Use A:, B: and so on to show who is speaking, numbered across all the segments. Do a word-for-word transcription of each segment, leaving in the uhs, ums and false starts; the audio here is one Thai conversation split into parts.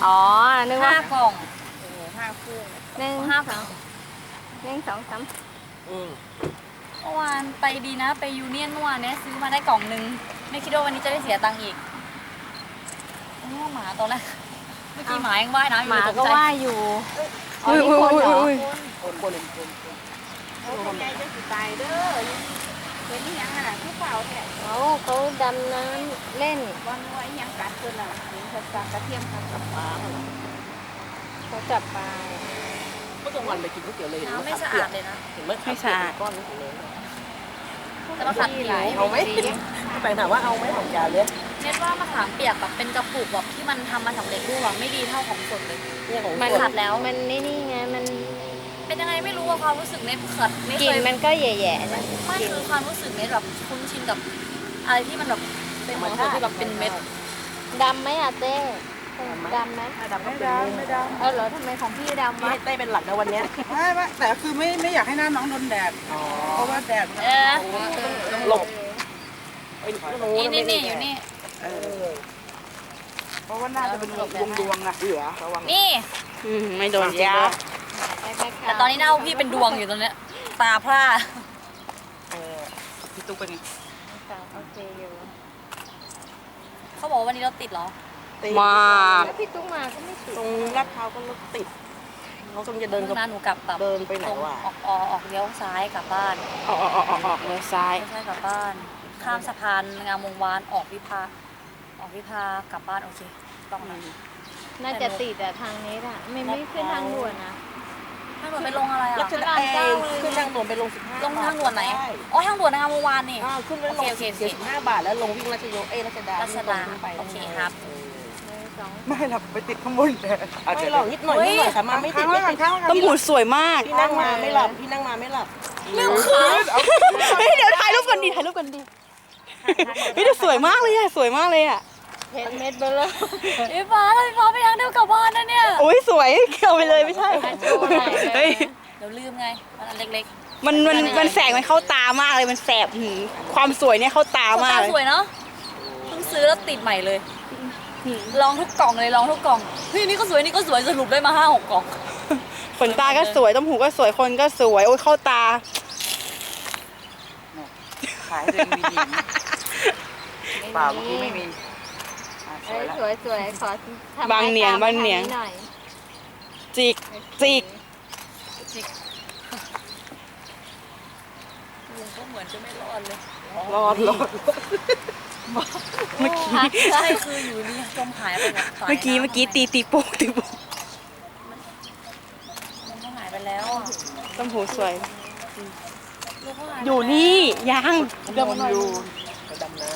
A: อ๋อนึกว่า
B: ห้ากล่อง
C: ห้าคู่
A: หนึ่ง
B: ห้า
A: สองหนึ่งสองสาม
C: อืม
B: เมื่อวานไปดีนะไปยูเนียนเมื่อวานเนี้ยซื้อมาได้กล่องนึงไม่คิดว่าวันนี้จะได้เสียตังค์อีกโอ้หมาตอนแรกเมื่อกี้หมายังว่ายน้ำอ
A: ห
B: ยู่
A: มา
B: เลยต
A: ก็
B: ใจ
A: ว่าอยู่อ๋อนี่คนเหรอ
C: คนคนคน
D: โอ้ยใจจะสิตายเด้อเป็นนี่ยังอ่ะผู้เปล่าแท้
A: เขาเขาดำน้ำเล่น
D: วันไว้ยังกัดเพิ่นน่ะถึงเขากัดกระเทียมกับปลา
A: เขาจับปลา
C: เมื่อกลางวันไปกินก๋วยเตี๋ยวเลยเห็น
B: น้ำไม่
C: มะขาม
B: สะ
C: เปี
B: อาย ด
C: ก
B: เลยนะ
C: เห็นมะขามเปียกเป็นก้อนนี่เลย
B: แต่มะขามเปียก
C: เอาไหมไปถามว่าเอาไหมของจานเลย
B: เน็ตว่ามะขามเปียกแบบเป็นกระปุกแบบที่มันทำมาสำเร็จรูปอะไม่ดีเท่าของสดเลย
C: เนี่ยของ
A: มัน
C: ส
B: ขั
C: ด
B: ดแล้ว
A: มันนี่นี่ไงมัน
B: เป็นยังไงไม่รู้ว่าความรู้สึกเน็ตขัดไม่
A: ก
B: เค
A: ลิ่น
B: ย
A: มันก็แย่ๆนะ
B: ไม่คือความรู้สึกเน็ตแบบคุ้นชินกับอะไรที่มันแบบเป็นของสดที่แบบเป็นเม็ด
A: ดำไหมอะเต้ดำไหม
C: ดำไม่ดำไม่ดำ
A: เออเหรอทำไมของพี่ดำ
C: ไม่
A: วะ
C: ให้เต้เป็นหลักนะวันเนี้ย
E: ไม่ไม่แต่คือไม่ไม่อยากให้หน้าน้องโดนแดด
C: อ๋อ
E: เพราะว่าแดด
B: เออ
C: หลบไอ้ห
B: นี่นี่นี่อยู่นี่
E: เออเพราะว่าหน้าจะเป็นดวงดวงๆอะเหลือระวัง
B: นี่
A: ไม่โดนยา
B: แต่ตอนนี้หน้าพี่เป็นดวงอยู่ตรงเนี้ยตาพร่า
E: เออพี่ตุ๊กเป็นไง
A: โอเคอยู่
B: เขาบอกว่าวันนี้เราติดเหรอ
C: มาก
A: แล้วพี่ตุ้งมาก็ไม่ติด
C: ตรงลาดพร้าวก็รถติดเขากำลังจะเดิน
B: เมื่อนั้นหนูกลับแบบ
C: เดินไปไหน
B: ตรง
C: วะ
B: ออกออกออกเลี้ยวซ้ายกลับบ้าน
A: ออกออกออกออกออกเลยซ้าย
B: ไม่ใช่กลับบ้าน ข้ามสะพานงามวงวานออกวิภาออกวิภากลับบ้านโอเคต้องนะ
A: น่าจะติดอะทางนี้อะไม่ไม่ขึ้นทางด่วนนะ
B: ทางด่วนไปลงอะไร
C: รั
B: อ่ะ
C: ชดาเองขึ้นทางด่วนไปลงสิบห้า
B: ลงทางด่วนไหน
C: ใช่
B: อ๋อทางด่วนงามวงวานนี่
C: อ้าวขึ้นแล้วลง
B: โอเคโอเค
C: เสียสิบห้าบาทแล้วลงวิ่งรัชโยเอ้ยรัชดา
B: รัชดา
C: วิ่งตรงขึ้นไป
B: โอเคครับ
A: หนึ่งสอง
E: ไม่หรอกไปติดข้างบนแดดอาจ
C: ไม่
E: จะ
C: หรอกนิดหน่อยนิดหน่อยค่ะมาไม่ติ
E: ค้า
C: ด
E: งไว้
C: ไม่
E: ก่อ
C: ติ
E: น
C: ด
E: ค้างไว้ก่อน
F: ต้มหูสวยมาก
C: พี่นั่งมาไม่หลับพี่นั่งมาไม่หลับ
B: เรื่องคือ
E: เอา
F: เฮ้ยเดี๋ยวถ่ายรูปกันดีถ่ายรูปกันดีเฮ้ยแต่สวยมากเลยอะสวยมากเลยอะ
A: เพชรเม็ดเบลเลอร์
B: พี่ฟ้าพี่ฟ้าไปทางเดียวกลับบ้านนะเนี่ย
F: โอ้ยสวยเอาไปเลยไม่ใช่
A: โชว์หน่อย
F: เฮ้ย
B: เดี๋ยวลืมไงมันอันเล็ก
F: มันมันมันแสงมันเข้าตามากเลยมันแสบหืมความสวยเนี่ยเข้าตา
B: ๆ
F: มาก
B: ตา
F: เลย
B: สวยเนาะเพิ่งซื้อแล้วติดใหม่เลย ลองทุกกล่องเลยลองทุกกล่องเฮ้ยนี่ก็สวยนี่ก็สวยสรุปได้มาห้าหกกล่อง
F: ขนตาก็สวยต้มหูก็สวยคนก็สวยโอ้ยเข้าตา
E: ขายเลยมีดีเปล่าเมื่อกี้ไม่มีอ่ะส
A: เอ้
E: วย
A: ย
E: แล้ว
A: สวยสวยขอทำ
F: บางเหนียง
A: ไม้ตม
F: บางเหนียง
A: ทหน่อย
F: จิกจิก
B: ลุงก็เหมือนจะไม่รอดเลย
C: รอดรอด
F: เมื่อกี้
B: ใช่คืออยู่นี่จมหายไปแบบสาย
F: เมื่อกี้
B: น้ำ
F: เมื่อกี้ตีตีโป่งตีโป่ง
B: มันก็หายไปแล้วอะ
F: ต้มหูสวย
B: ลูกก็หายไป
F: อยู่นี่ยัง
E: เดินอยู่
C: ไปดำน้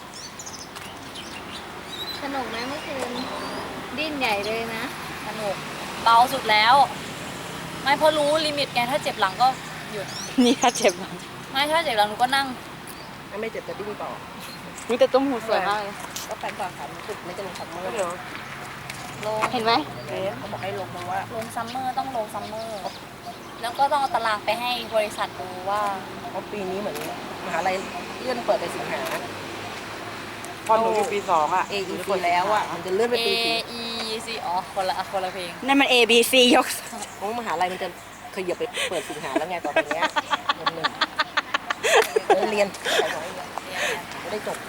A: สนุกไหมเมื่อคืนดิ้นใหญ่เลยนะ
B: สนุกเบาสุดแล้ว ไม่เพราะรู้ลิมิตไงถ้าเจ็บหลังก็หยุด
F: นี่ถ้าเจ็บอะ
B: ไม่ถ้าเจ็บหลังหนูก็นั่ง
C: ำถ้าไม่เจ็บจะดิ้นต่อ
F: อุ๊ยแต่ต้มหูสวยมากเลย
C: ก็ไปก่อนค่ะมันติดไม่จะลงซัมเมอร์
E: เดี๋ยว
B: ลง
F: เห็นไหม
C: เขาบอกให้ลงเพราะว่า
B: ลงซัมเมอร์ต้องลงซัมเมอร์แล้วก็ต้องเอาตารางไปให้บริษัทดูว่า
C: เพราะปีนี้เหมือนมหาลัยเลื่อนเปิดไปสิงหา
E: พอหนูอยู่ปีสองอ่ะ
C: เอ อี แล้วอ่ะมันจะเลื่อนไป
B: A
C: ปีสี่
B: E C อ๋อคนละคนละเพลง
F: นั่นมัน A B C ยก
C: เพราะมหาลัยมันจะขยับไปเปิดสิงหาแล้วไงต่อไปเนี้ยเดือนหนึ่งเรียนไม่ได้จบ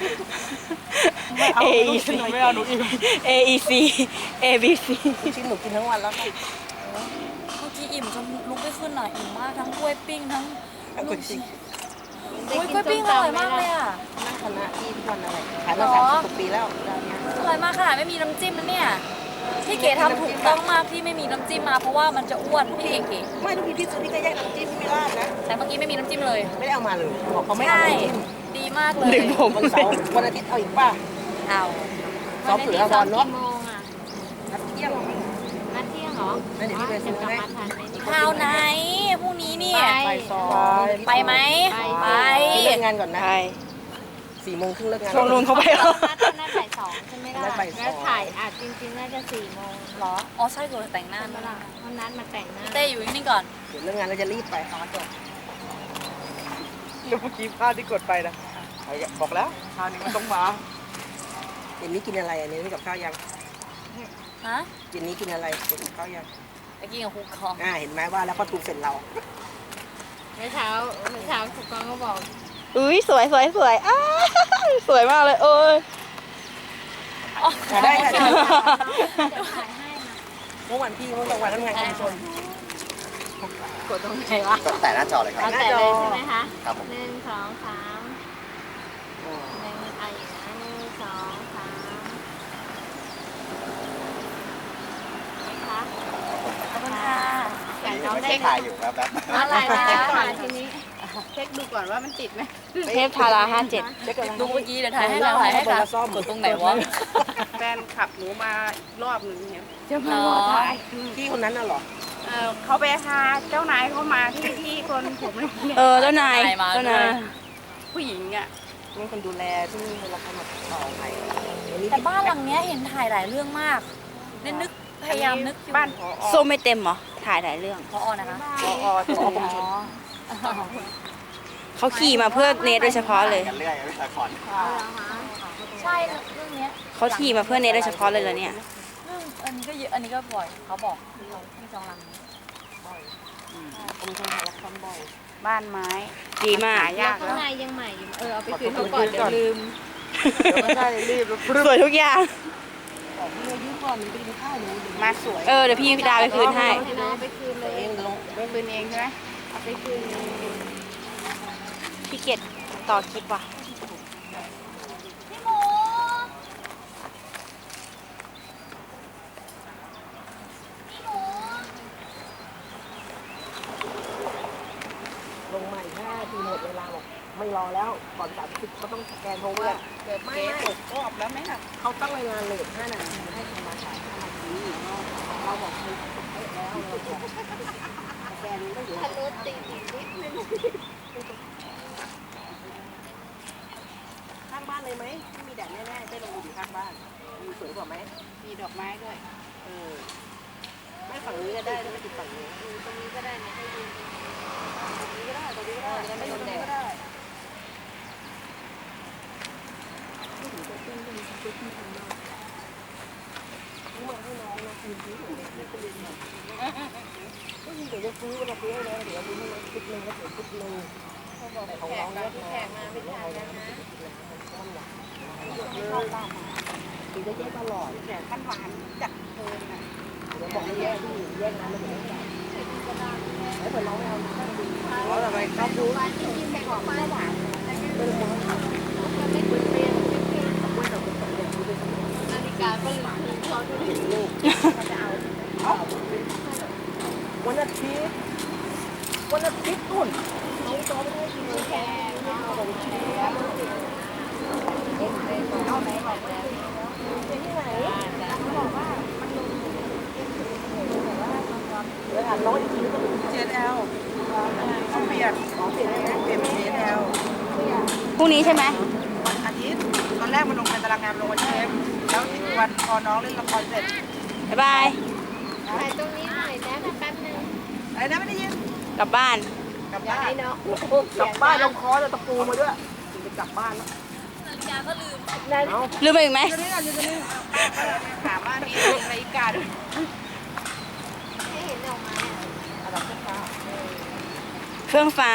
F: A E C
E: ไม่เอาหนูอีก
F: A E C A B C
C: ชิ้นหนูกินทั้งวันแล้วค่ะ
B: เมื่อกี้อิ่มจนลุกไม่ขึ้นหน่อยอิ่มมากทั้งกล้วยปิ้งทั้ง
C: เอาคนจริง
B: โอ้ยกล้วยปิ้งอร่อยมากเลยอ่ะ
C: นั่งคณะที่ทุกวันอะไรขายมาสามสิบกว่าปีแล้วร้านเนี้ย
B: อร่อยมากค่ะไม่มีน้ำจิ้มนะเนี่ยพี่เก๋ทำถูกต้องมากที่ไม่มีน้ำจิ้มมาเพราะว่ามันจะอ้วนพี่เก๋
C: ไม่ทุกทีพี่ซื้อพี่ก็แยกน้ำจิ้มพี่ไม่ราดนะ
B: แต่เมื่อกี้ไม่มีน้ำจิ้มเลย
C: ไม่ได้เอามาเลยบอกเขาไม่เอา
B: ใช่
C: น้ำจิ้ม
B: ดีมากเลย
F: ดึงผม
C: วันเสาร์วันอาทิตย์เอาอีกป่ะ
B: เอา
C: ซ้อมเสือ
A: วั
C: บอลเนาะ
A: กี่โมงอ่ะ
C: นัดเที่ยง
A: นัดเที่ยงเหรอ
C: นั่นเดี๋ยวพี่ไปซื้อ
A: จะกลับ
C: ให้
A: มาทันไหมเนี่ย
B: ข้าวไหนพรุ่งนี้เนี่ย
A: ไป
C: ไปซ้อม
B: ไปไหมไป
C: เลิกงานก่อนนะ
F: ใช่
C: สี่โมงครึ่งเลิกงาน
F: ชวนลุงเขาไปแล้ว
A: นัดนัดบ่ายสองใช่ไหมล่ะ
C: นัดบ่ายสอง
A: แล้วถ่ายอาจจริงๆน่าจะสี่โมง
B: เหรออ๋อใช่ตัวแต่งหน้า
A: ใช่ไหมล่ะเพราะนัดมาแต่งหน้า
B: เต้อยู่นี่ก่อน
C: เดี๋ยวเลิกงานเราจะรีบไปขอจบ
E: แล้วเมื่อกี้พลาดที่กดไปนะเอาอีกบอกแล้วคราวนี้มันต้องมา
C: เดี๋ยวนี้กินอะไรอันนี้กับข้าวยัง
B: ฮะ
C: เย็นนี้กินอะไรกินข้าวยัง
B: ไปกินกับคุกคอง
C: อ่าเห็นไหมว่าแล้วก็ถูกเสร็จเรา
A: เมื่อเช้าเมื่อเช้าครูกองก็บอก
F: อุ้ยสวยสวยสวยอ้าสวยมากเลยโอ้ย
C: อ่าได้ค่ะ
A: เดี๋ยวถ่ายให้นะ
C: เมื่อวันพี่เมื่อวันทำงานชุมชน
A: กดตรงไหนวะ
E: ก็แต่หน้าจอเลยครับ
A: เอาแต่เลยใช่ไหมคะ
E: ครับผม
A: หนึ่งสองสามหนึ่งอ่ะอย่างนั้นหนึ่งสองสามไหมคะ
B: ขอบคุณค่ะ
A: อยากน้องได้
E: เช็คถ่ายอยู่ครับแป๊บ
A: อะไรนะคะทีนี้
D: เช็คดูก่อนว่ามันติดไหม
F: เทพทาราห้าเจ็ด
C: เช็คกัน
B: ดูเมื่อกี้เดี๋ยวถ่ายให้เราถ่ายให้ค่ะกดตรงไหนวะ
D: แฟนขับหนูมาอีกรอบหนึ่งเนี่ย
A: จะมาขอถ่าย
C: พี่คนนั้นน่ะเหรอ
D: เออเขาไปพาเจ้านายเขามาที่ที่คนผมเนี่ย
F: เออเจ้านายเจ้านาย
D: ผู้หญิงอ่ะ
C: นี่คนดูแลที่นี่เวลาเขามาต่อไปวันนี้
B: แต่บ้านหลังเนี้ยเห็นถ่ายหลายเรื่องมากเน้นนึกพยายามนึกอยู่
D: บ้านผอ
F: ส้มไม่เต็มเหรอถ่ายหลายเรื่อง
B: พอนะคะ
C: พอที่กรมชน
F: เขาขี่มาเพื่อเนทโดยเฉพาะเลย
E: กันเรื่อยไม่ละคร
B: ใช่เรื่องเนี้ย
F: เขาขี่มาเพื่อเนทโดยเฉพาะเลยเหรอเนี่ย
B: เรื่องอันนี้ก็เยอะอันนี้ก็บ่อยเขาบอกที่จองหลังนี้
C: กรมชนหาละครบ่อย
D: บ้านไม้
F: ดีมาก
D: หายาก
A: ข้าง
D: แล้ว
A: ในยังใหม่อยู่ เออเอาไปคืนเขาก่อนเดี๋ยวลืม
C: ไม่ใช่รีบ
F: สวยทุกอย่าง
C: ของพี่ยืมก่อนมันไปกินข้าวหนู
D: มาสวย
F: เออเดี๋ยวพี่พี่ดาไปคืนให้
A: ให้น้องไปคืนเลย
C: เองลง
D: คืนเองใช่ไหม
A: เอาไปคืนเลย
F: พี่เกดต่อคลิปว่ะ
B: พี่หมู
C: ลงใหม่ห้าทีหมดเวลาบอกไม่รอแล้วก่อนสามสิบเขาต้องสแกนโทรเวอร์
D: เกิดเก๊ตกรอบแล้วไหมล่ะ
C: เขาตั้งเวลาเลทห้านาทีให้ทำมาขายห้านาทีเราบอกให้แล้วเราบอกสแกนก็อยู่
A: ทะลุติดอีกนิดนึง
C: ข้างบ้านเลยไหมไม่มีแดดแน่ๆได้ลงอยู่ข้างบ้านมีสวยกว่าไหม
D: มีดอกไม้ด้วย
C: เออไม่ฝั่งนี้ก็ได้ไม่ติดฝั่งนี้
A: ตรงนี้ก็ได้เนี่ยให้ยืน
C: ตรงนี้ก็ได้ตรงนี้ก็ได้ไม่โดนแดดก็ได้ไม่ถึงจะขึ้นก็มีจะขึ้นทำได้รู้ว่าให้น้องนะคืนนี้ก็เรียนแบบก็ยิงเดี๋ยวจะซื้อมาซื้อให้แล้วเดี๋ยวดูให้น้องชุดหนึ่งแล้วเดี๋ยวชุดหนึ่งแต่ของน้องเนี่ย
A: แขกมาไม่ทานกันนะ
C: ตีได้แยกตลอด
D: แต่ขั้นหวานจัดเกินอ่ะ
C: เดี๋ยวบอกให้แยกที่แยกน้ำมันไม่ได้แล้วเปิดน้องไม่เอาข้างดี
D: เพราะอะไรครับดู
A: วันที่กินไปของป้าหวาน
C: ไม่ได้มอง
A: มันไม่ควรเปลี่ยนไม่เปลี่ยนนาฬิกาก็ลืมคืนเขาดูดิ
C: ลูกวันอาทิตย์วันอาทิตย์ตุ่นน้องจอไม่ได้กินเลยแค่เอาไปที่ไหนเอาไหนบอกไปที่ไหนบอกว่ามันลงเดี๋ยวถามน้องอีกทีนึง
D: เจนแอลต้องเปลี่ยน
C: ขอเปลี่ยนได้ไหม
D: เปลี่ยนเป็นเจนแอล
F: พรุ่งนี้ใช่ไหม
D: วันอาทิตย์ตอนแรกมันลงในตารางงานลงวันเทปแล้วอีกวันพอน้องเล่นละครเสร็จ
F: บ๊ายบาย
A: ถ่ายตรงนี้หน่อยนะแป๊บนึง
D: อะไรนะไม่ได้ยิน
F: กลับบ้าน
D: กลับ
A: อยาก
D: บ้าน
A: ให้น้อง
C: กลับบ้านลงคอจะตะปูมาด้วยจะกลับบ้านแล้ว
B: นาฬิกาก็ลืม
C: เอา
F: ลืมไปอีกไหม
D: อยู่นี่กันอยู่นี่ถามว่านี่นาฬิกาด้วย
A: ให้เห็นดอกไม้อะ
C: อะไรขึ้นฟ้า
F: เครื่องฟ้า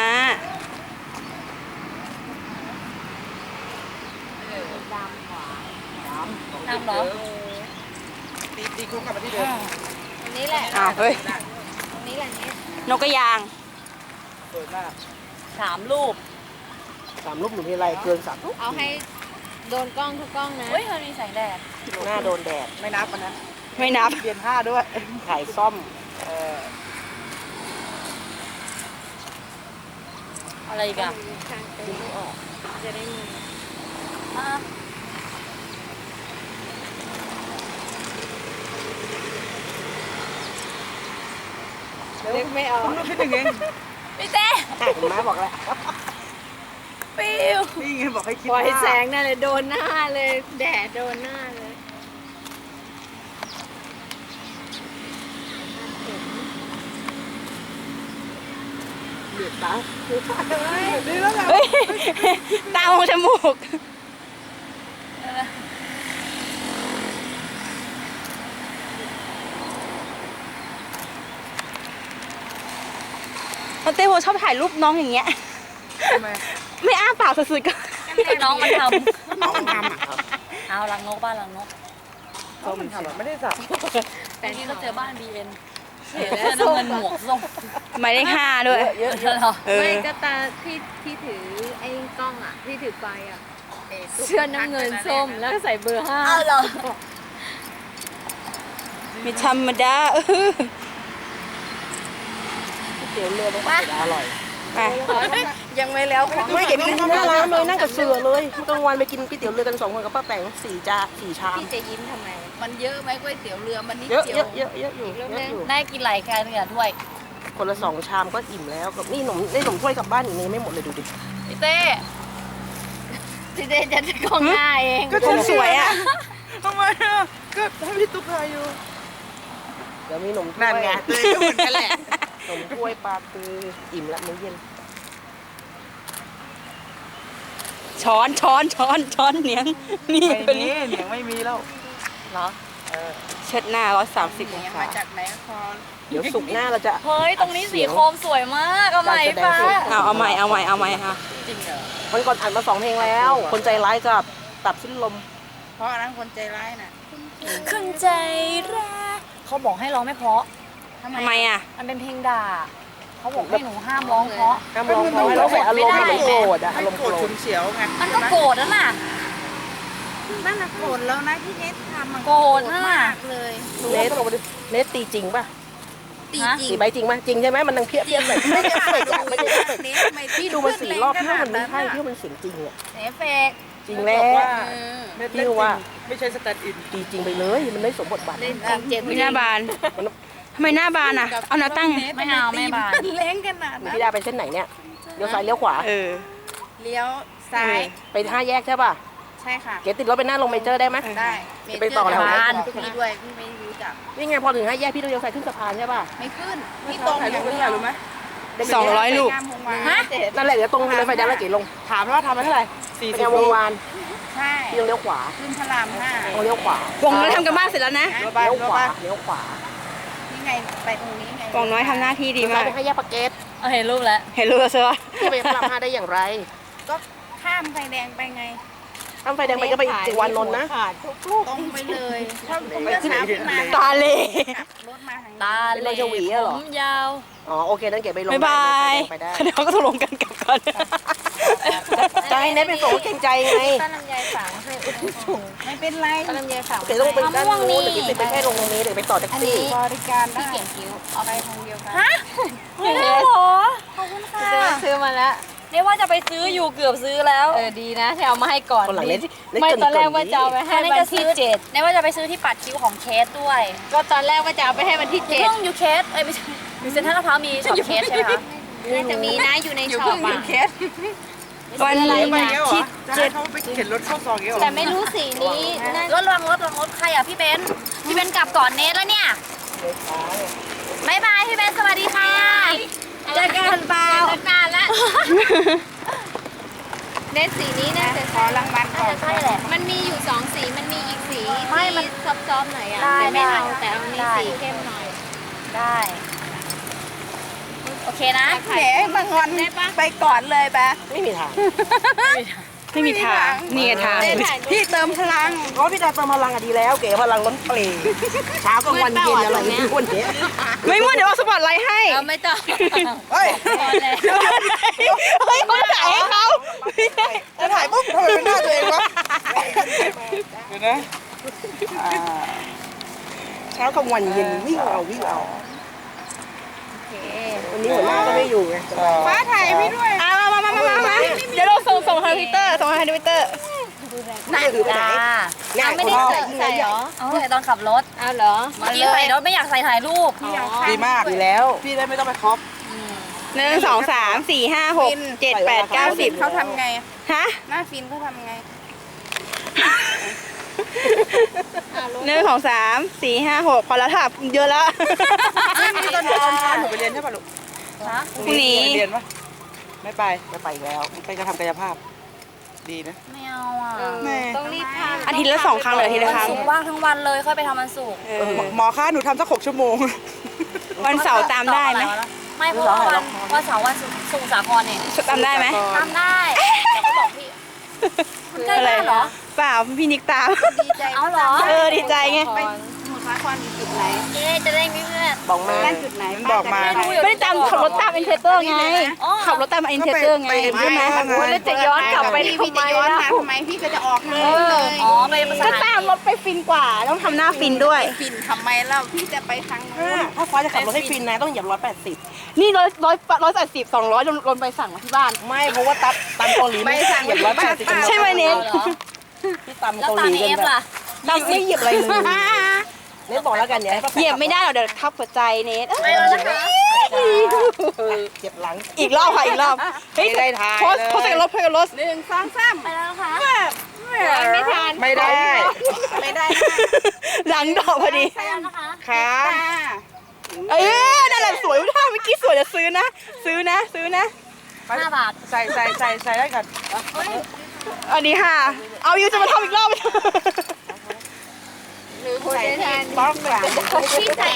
A: ดำกว่า
B: น้ำเหรอ
D: ตีตีคุกกลับมาที่เดิม
A: ตรงนี้แหละ
F: อ้าวเฮ้ย
A: ตรงนี้แหละเนี่ย
F: นกกระยาง
C: สวยมาก
B: สามรูป
C: สามลูกหนูมีอะไรเกินสามลูก
A: เอาให้โดนกล้องทุกกล้องนะ
B: เฮ้ยมันมีแสงแดด
C: หน้าโดนแดด
D: ไม่นับมันนะ
F: ไม่นับ
D: เปลี่ยนผ้าด้วย
C: ถ่ายซ่อมเออ
B: อะไรอีกอ่ะ
A: ทางเต็มออกจะได้มี
B: อ่ะ
A: นึกไม่ออก
D: ผมรู้คิดถึงเอง
B: พี่เต้
C: เห็นไหมบอกแล้ว
B: ปิว
D: นี่ไงบอกให้คิด
A: ปล่อย
D: ว่า
A: แสงนั่นเลยโดนหน้าเลย แดดโดนหน้าเลย
C: เหลือดตา
D: นี่แล้วไง
F: เฮ้ย ตามองจมูก
B: เ
F: แล้วเต้โบชอบถ่ายรูปน้องอย่างเงี้ย
D: ทำไม
F: ไม่อ้าปากสุดๆก็
B: น้องมันท
D: น้องมันทำอ่ะ
B: ำเอาลังนกบ้านลังนก
D: น้องมันทำอ่ะไม่ได้สับ
B: แต่ที่ก็เจอบ้านบีเอ็นเสียแล้วน้ำเงินหมวกส้ม
F: หมายเลขห้าด้วย
D: เยอะ
B: เยอะเหรอ
F: เออ
A: ไม่ก็ตาที่ที่ถือไอ้กล้องอ่ะที่ถือไฟอ่ะเสื้อน้ำเงินส้มแล้วก็ใส่เบอร์ห้า
B: เอาเหรอ
F: ไม่ธรรมดาเออ
D: เตี๋ยวเรือมันก็อร่อย
F: ไป
A: ยังไม่แล้วของ
C: ไม่เก็บไปกินหน้าร้านเลยนั่งกับเสือเลยกลางวันไปกินก๋วยเตี๋ยวเรือกันสองคนกับป้าแตงสี่จานสี่ชาม
A: พี่จะยิ้มทำไม มันเยอะไหมก๋วยเตี๋ยวเรือมันนิด
C: เยอะ
A: เดีย
C: เย
A: ว
C: อะเยอะเยอะอยู่เยอะอยู่
B: ได้กินหลายแค่เนี่ยถ้วย
C: คนละสองชามก็อิ่มแล้วกับนี่หนมได้หนมถ้วยกลับบ้านอีกนี่ไม่หมดเลยดูดิ
B: พี่เต้
A: พี่เจจะจะกล้องหน้าเอง
F: คนสวยอ่ะ
D: ทำไมอ่ะก็ให้พี่ตุ๊กทายอยู่
C: เดี๋ยวมีหนมถ้วย
D: นั่นไงเต้ก็เหมือนกันแหละ
C: หนมถ้วยปลาคืออิ่มละมื้อเย็น
F: ช้อนช้อนช้อนช้อนเหนียงนี่
D: ไม่
F: คน
D: มี
F: นี้
D: เหนียงไม่มีแล้ว
B: เหรอ
F: เช็ดหน้าร้อยสามสิบองศา
D: มาจากไหนคอน
C: เดี๋ยวสุกร์หน้าเราจะ
B: เฮ้ยตรงนี้สีโคมสวยมากเอาใหม่ฟ้า
F: เอาเอาใหม่เอาใหม่เอาใหม่ค่ะ
B: จริงเหรอ
C: วันก่อนอ่านมาสองเพลงแล้ว คนใจร้ายกับตับสิ้นลม
D: เพราะอันนั้นคนใจร้ายน่ะ
B: ขึ้นใจร้ายเขาบอกให้ร้องไม่เพราะ
F: ทำไมอ่ะ
B: มันเป็นเพลงด่าเขาบอกให้หนูห้ามร้องเพราะ
C: ห้ามร้องเพราะให้เราใส่อารมณ์ให้มันโกรธอะ
D: ให้
C: อารมณ์
D: โก
C: โก
D: ร
C: ร
D: ธ
C: ธ
D: ฉุนเฉียวไง
B: มันก็โกรธแล้วน่ะ
D: นั่นน่ะโกรธแล้วนะที่เนสทำมัน
B: โกรธน่ะ
A: เลย
C: เนสเนสตีจริงป่ะ
A: ตีจริ
C: ตี
A: ง
C: ใบจริงป่ะจริงใช่ไหมมันนังเพี้ยเพี้ยแบบไม่ได้เฟกอะไม่ได้เฟก
A: เนสทำไม
C: พี่ดูมาสี่รอบพี่ว่ามันไม่ใช่พี่ว่ามันเสียงจริงอะ
B: เอฟเฟกต์
C: จริงแล้ว
D: เนสเล่นจริงไม่ใช่สแตนด์อิน
C: ตีจริงไปเลยมันไม่สมบทบาท
A: เล่นจริงเจ็บ
F: ไม่หน้าบานทำไมหน้าบานอ่ะ เอาแนวตั้งไง
B: ไม่เอาไม่บาน
A: เล้งขนาดนั้น
C: พี่ดาไปเส้นไหนเนี่ยเลี้ยวซ้ายเลี้ยวขวา
F: เออ
A: เลี้ยวซ้าย
C: ไปห้าแยกใช่ป่ะ
A: ใช่ค่ะ
C: เก๋ติดรถไปหน้าลงเมเจอร์ได้ไหม
A: ได้
C: ไปต่อแถวไหน
A: พี่ด้วยพี่ไม่รู้จัก
C: นี่ไงพอถึงห้าแยกพี่ต้องเลี้ยวซ้ายขึ้นสะพานใช่ป่ะ
A: ไม่ขึ้นพี่ตรงอย่างเดียว
D: รู้ไหม
F: สองร้อยลูก
A: ฮะ
C: นั่นแหละเดี๋ยวตรงเลยไฟแดงแล้วเก๋ลง
D: ถามว่าทำไปเท่าไหร่สี่
C: ไป
D: สิบ
C: แนววงวาน
A: ใช่
C: พี่ต้องเลี้ยวขวา
A: ขึ้นพระรามห้า
C: ต้องเลี้ยวขวาว
F: งน้อยทำกันบ้านเสร็จแล้วนะ
D: รถไป
C: เลี้ยว
D: รถ
C: ข
D: ไป
C: วาเลี้ยวขวา
A: นี่ไงไปตรงนี้ไง
F: วงน้อยทำหน้าที่ดี
C: เลี้ยวซ้าม
F: าย ก
C: ไปห้าแยกปากเกร็ด
B: เอาเห็นรูปแล้ว
F: เห็นรู้แล้วใช่ปะ
C: พี่ไปพระรามห้าได้อย่างไร
A: ก็ข้ามไฟแดงไปไง
C: ข้ามไฟแดงไปก็ไปอีกวันนนท์นะ
A: ตรงไปเลยถ้าเมื่อเช้าขึ้นมา
F: ตาเล
A: รถมาทางนี้
B: ตาเหล่ผมยาว
C: อ๋อโอเคนั่นเก๋ไปลง
F: บ๊ายบาย
C: ไปได้
F: เดี๋ยวก็ตกลงกันกลับก่อน
C: จะให้เน็ตไปส่งก็เกรงใจไง
A: ป้าลำไยฝังให้ส่งไม่เป็นไรป้าลำไยฝัง
C: เก๋ต้องเป็นด้านนู้นเดี๋ยวเก๋ไปแค่ลงตรงนี้เดี๋ยวไปต่อแท็กซี่
A: บริการได้พี่เก่งคิ้วเอาไปทางเดียวกัน
B: ฮะไม่ได้เหรอขอบคุณค่ะ
A: ซื้อมาแล้ว
B: เรียกว่าจะไปซื้ออยู่เกือบซื้อแล้ว
A: เออดีนะที่เอามาให้ก่อน
C: คนหลังเน็ตเน็ต
A: ไม่
C: เกิน
A: ตอนแรก
C: เกิ
A: ว่าจะเอาไป
B: แค่
A: ให้
B: นี้
A: วัน
B: จะซื้
A: ที่
B: อ
A: เจ็ด
B: ในว่าจะไปซื้อที่ปัดคิ้วของเคสด้วย
A: ก็ตอนแรกว่าจะเอาไปให้วันที่เจ็ด
B: เพิ่งอยู่เคสเอ้ยไม่ใช่อยู่เซ็นทรัลลาดพร้าวมีช็อปเคสใช่ไหมคะ
A: น่าจะมีนะอยู่ในช็อปอ่ะ
F: วัน
D: ไป
F: นี้
D: เงี้ยเหรอจะให้เขาไปเข็นรถเข้าซองเงี้ยเหรอ
A: แต่ไม่รู้สีนี้น่าร
B: ถระวังรถระวังรถใครอ่ะพี่เบนซ์พี่เบนซ์กลับก่อนเนทแล้วเนี่ยบายบายพี่เบนซ์สวัสดีค่ะเจอกันเปล่าเจอกันละเนสสีนี้น่าจะขอรางวัลก่อน ใช่แหละ
A: มันมีอยู่สองสีมันมีอีกสี
B: ไม่มัน
A: ที่ซอฟๆหน่อยอ่ะ
B: ได้
A: แต่ไม่เอา
B: ได้
A: แต่เอานี้
B: ได้
A: สีเข้มหน่อย
B: ได้โอเคนะ
A: แหมบางวันไปก่อนเลยปะ
C: ไม่มีทาง
F: ไม่มีทางนี่ไงทาง
C: พี่เติมพลังเพราะพี่ดาเติมพลังอะดีแล้ว เก๋พลังล้นเปลี่เช้ากลางวันเย็นอะไรอย่างเงี้ยวันเนี้ย
F: ไม่มั่วเดี๋ยวเอาสปอตไลท์ให้
A: เอาไม่ต้อง
D: เฮ้ย
A: พอแล้ว
F: เฮ้ยเขาถ่ายให้เขา
D: จะถ่ายปุ๊บทำไมเป็นหน้าตัวเองวะเดี๋ยวนะอ่า
C: เช้ากลางวันเย็นวิ่งเอาวิ่งเอา
A: โอเค
C: วันนี้หัวหน้าก็ไม่อยู่ไง
A: ฟ้าถ่ายพี่ด้วย
F: อ่ะมามามามามามาเดี๋ยวเราส่งส่งทางทวิตเตอร์ส่งทางทวิตเตอร์
C: นี่ถือไปไหน
B: จ้า
C: ง่าย
A: ไม่
C: คน
A: ได้
C: เรา
A: ใส่ใส่เหรอ
B: เอาใส่ตอนขับรถ
A: เอาเหรอ
B: เมื่อกี้ใส่รถไม่อยากใส่ถ่ายรูป
D: ดีมาก
C: ดีแล้ว
D: พี่ได้ไม่ต้องไปครอป
F: หนึ่งสองสามสี่ห้าหกเจ็ดแปดเก้าสิบ
A: เขาทำไง
F: ฮะ
A: หน้าฟินเขาทำไง
F: หนึ่งสองสามสี่ห้าหกพอแล้วค่ะเยอะแล้ว
D: นี่ตอนตอนเช้าหนูไปเรียนใช่ป่ะลูก
B: ฮะ
F: พรุ่งนี้
D: เรียนปะไม่ไป
C: ไม่ไปอีกแล้ว
D: ไปกระทำกายภาพ ดีนะ
B: ไม่เอาอ่ะ
D: แม่
A: ต้องรีบทำ
F: อาทิตย์ละสองครั้งเลยอาทิตย์ละ
B: วัน
F: ครั้ง
B: ศุกร์ว่างทั้งวันเลยค่อยไปทำวันศุกร์
F: เอ
D: เอ
F: อ
D: อหมอคะหนูทำสักหกชั่วโมง
F: วันเสาร์ตามได้ไหม
B: ตอบอะรวะไม่เพราะว่าวันวันเสาร์วันศุกร์สมุทรสาครเนี่ย
F: จำได้ไหม
B: ทำได้แต่ก็บอกพี่คุณใกล้บ้านเหรอ
F: เปล่าพี่นิกตาม
C: ดีใจ
B: เอาเหรอ
F: เออดีใจไง
C: ไปสมุทรสาครอยู่จุดไหน
B: เจ๊จะได้มีเพื่อน
E: บอกมา
C: บ้านจุดไหน
E: บอกมา
C: บ้นจุดไหน
F: ไม่ได้ตามขับรถตามอินเทอร์เตอร์ไง
B: อ๋อ
F: ขับรถตามอินเทอร์เตอร์ไงใช่ไหม
A: โอ้ยแล้วจะย้อนกลับไป
C: พี่
A: ทำ
C: พี่
A: ไม
C: จะย้อน
A: ล่ะ
C: มาทำไมพี่ก็จะออกเลยเลย
B: อ๋อไปภาษา
F: ก็ตามรถไปฟินกว่า ต้องทำหน้าฟินด้วย
C: ฟินทำไมเล่าพี่จะไปทางนู้น
E: ถ้าฟ้าจะขับรถให้ฟินนะต้องเหยียบร้อยแปดสิบ
F: นี่ร้อยร้อยร้อยแปดสิบสองร้อยลนไปสั่งมาที่บ้าน
E: ไม่เพราะว่าตับตำเกาหลีไม่สั่งเหยียบร้อยแปดสิบ
F: ใช่ไหมเน็ต
B: เหรอ
E: ที่ตำ
B: แล้ว
E: เกาห
B: ตาม
E: ลี
B: เอ
E: กัน
B: ฟ
E: แบบ
B: ล่ะ
F: ตามไม่เหยียบอะไรเลย
E: เน็ตบอกแล้วกันเนี่ยให้ป้าแปะ
F: เหยียบไม่ได้หรอกเดี๋ยวทับหัวใจเน็ต
B: ไปแล้วนะคะ
E: เจ็บหลัง
F: อีกรอบค่ะอีกรอบเฮ้ย
E: ไม่ได้ถ่าย
F: โพส
E: เลย
F: โพสใส่รถโพสใส่รถ
C: หนึ่งสองสาม
B: ไปแล้วนะคะ
A: ไม่ทัน
E: ไม่ได้
C: ไม่ได้
F: หลังดอกพอดี
B: ไปแล้วนะคะ
E: ครับ
C: ค่ะ
F: เอ้ยนั่นแหละสวยท่าเมื่อกี้สวยจะซื้อนะ ซื้อนะ ซื้อนะ
B: ห้าบาท
E: ใส่ใส่ใส่ใส่ได้ก่อน
F: อันนี้ค่ะ เอายูจะมาทำอีกรอบ
A: หรือคุณจะแทน
E: ต้องแบบ
B: พี่ใส่